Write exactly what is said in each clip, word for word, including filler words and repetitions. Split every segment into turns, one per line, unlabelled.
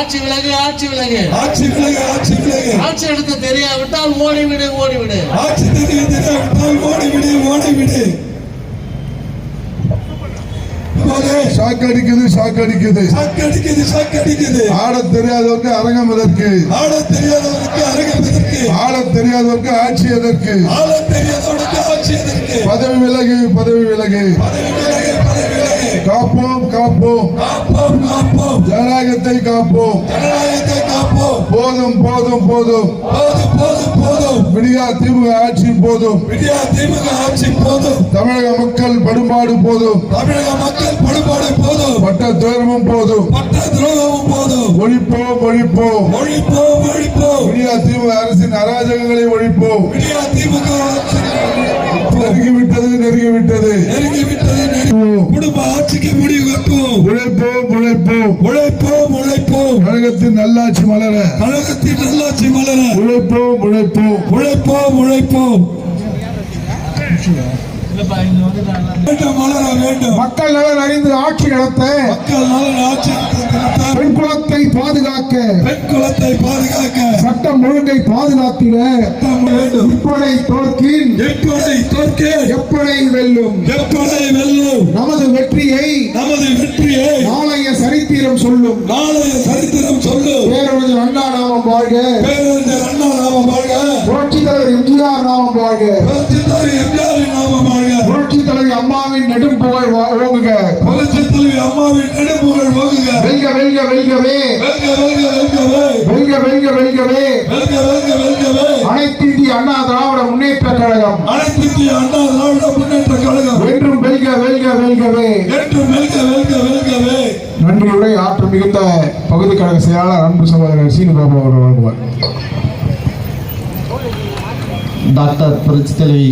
ஆட்சி விலகு ஆட்சி விலகு
ஆட்சி விலகு ஆட்சி விலகு
ஆட்சி எடுத்து தெரியாவிட்டால் ஓடிவிடு ஓடிவிடு
ஆட்சி தெரிய தெரியாவிட்டால் ஓடிவிடு ஓடிவிடு.
ஷாக் அடிக்குது ஷாக் அடிக்குது
ஷாக் அடிக்குது ஷாக் அடிக்குது.
ஆட தெரியாதவருக்கு அரங்கம் எதற்கு?
ஆட தெரியாதவருக்கு அரங்கம் எதற்கு?
ஆட தெரியாதவருக்கு ஆட்சி எதற்கு?
ஆட தெரியாதவருக்கு ஆட்சி எதற்கு?
பதவி விலகு பதவி விலகு
பதவி விலகு பதவி விலகு.
காப்போம் காப்போம்
காப்போம் காப்போம்
ஜனநாயகத்தை காப்போம்
ஜனநாயகத்தை காப்போம்.
போதும் போதும் போதும்
போதும் போதும் போதும்.
விடியா திமுக ஆட்சி போதும்.
விடியா திமுக ஆட்சி போதும்.
தமிழக மக்கள் படுபாடு போதும்.
தமிழக மக்கள் படுபாடு போதும்.
பட்ட துயரமும் போதும்.
பட்ட துரோகமும் போதும்.
ஒழிப்போம் ஒழிப்போம்
ஒழிப்போம் ஒழிப்போம்.
விடியா திமுக அரசின் அராஜகங்களை ஒழிப்போம்.
விடியா திமுக
நெருங்கிவிட்டது நெருங்கிவிட்டது
நெருங்கிவிட்டது. குடும்ப ஆட்சிக்கு முடிவு கட்டும்.
உழைப்போம் உழைப்போம்
உழைப்போம் உழைப்போம்.
கழகத்தின் நல்லாட்சி மலர
கழகத்தின் நல்லாட்சி மலர
உழைப்போம் உழைப்போம்
உழைப்போம் உழைப்போம். வேண்டும் மலர வேண்டும்.
மக்கள் நலன் அறிந்து ஆட்சி நடத்த
மக்கள் நலன் ஆட்சி நடத்த
பெண் குலத்தை பாதுகாக்க
பெண் குலத்தை பாதுகாக்க
சட்டம் ஒழுங்கை பாதுகாத்திட
சட்டம் வேண்டும்.
இப்படை தோற்கின்
எப்படை தோற்க
எப்படை வெல்லும்.
எப்படை வெல்லும்.
நமது வெற்றியை
நமது வெற்றியை
நாளைய சரித்திரம் சொல்லும்.
நாளைய சரித்திரம் சொல்லும்.
பேரறிஞர் அண்ணா நாமம் வாழ்க.
பேரறிஞர் அண்ணா நாமம் வாழ்க.
புரட்சித் தலைவர் எம்ஜிஆர் நாமம் வாழ்க.
புரட்சித் தலைவர் எம்ஜிஆரின் நாமம் வாழ்க.
புரட்சித் தலைவர் அம்மாவின் நெடும் புகழ் ஓங்குக.
புரட்சித் தலைவர் அம்மாவின் நெடும்புகழ் ஓங்குக.
வெல்க வெல்க வெல்கவே
வெல்க வெல்க வெல்கவே
வெல்க வெல்க வெல்கவே
வெல்க வெல்க வெல்கவே.
அனைத்து இந்திய அண்ணா திராவிட முன்னேற்ற கழகம்
அனைத்து இந்திய அண்ணா திராவிட முன்னேற்ற கழகம்
என்றும் வெல்க வெல்க வெல்கவே
என்றும் வெல்க வெல்க வெல்கவே.
நன்றியுரை ஆற்றல் மிகுந்த பகுதி கழக செயலாளர் அன்பு சகோதரர் சீனுபாபு அவர்கள் வழங்குவார்.
டாக்டர் புரட்சி தலைவி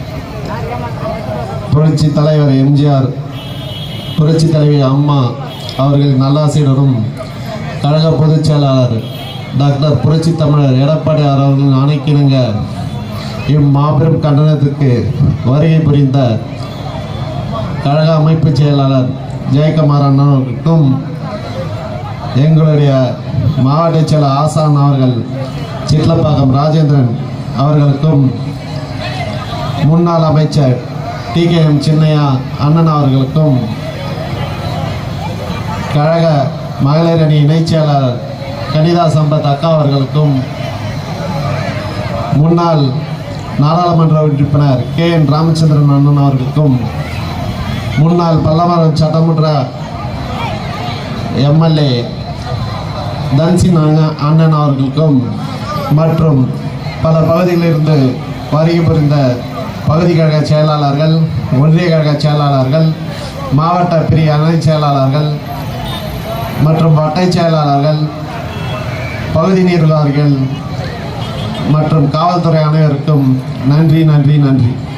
புரட்சி தலைவர் எம்ஜிஆர் புரட்சி தலைவி அம்மா அவர்களின் நல்லாசியுடனும் கழக பொதுச் செயலாளர் டாக்டர் புரட்சி தமிழர் எடப்பாடி அவர்களின் ஆணைக்கிணங்க இம்மாபெரும் கண்டனத்திற்கு வருகை புரிந்த கழக அமைப்பு செயலாளர் ஜெயக்குமார் அண்ணனுக்கும் எங்களுடைய மாவட்ட செயலர் ஆசான் அவர்கள் சிட்லப்பாக்கம் ராஜேந்திரன் அவர்களுக்கும் முன்னாள் அமைச்சர் டி கே எம் சின்னையா அண்ணன் அவர்களுக்கும் கழக மகளிர் அணி இணைச் செயலாளர் கனிதா சம்பத் அக்கா அவர்களுக்கும் முன்னாள் நாடாளுமன்ற உறுப்பினர் கே என் ராமச்சந்திரன் அண்ணன் அவர்களுக்கும் முன்னாள் பல்லமரம் சட்டமன்ற எம்எல்ஏ தன்சின் அண்ணன் அவர்களுக்கும் மற்றும் பல பகுதிகளிலிருந்து வருகை புரிந்த பகுதி கழக செயலாளர்கள், ஒன்றிய கழக செயலாளர்கள், மாவட்ட பிரிவு அணை செயலாளர்கள் மற்றும் வட்டை செயலாளர்கள், பகுதி நிர்வாகிகள் மற்றும் காவல்துறை அனைவருக்கும் நன்றி நன்றி நன்றி.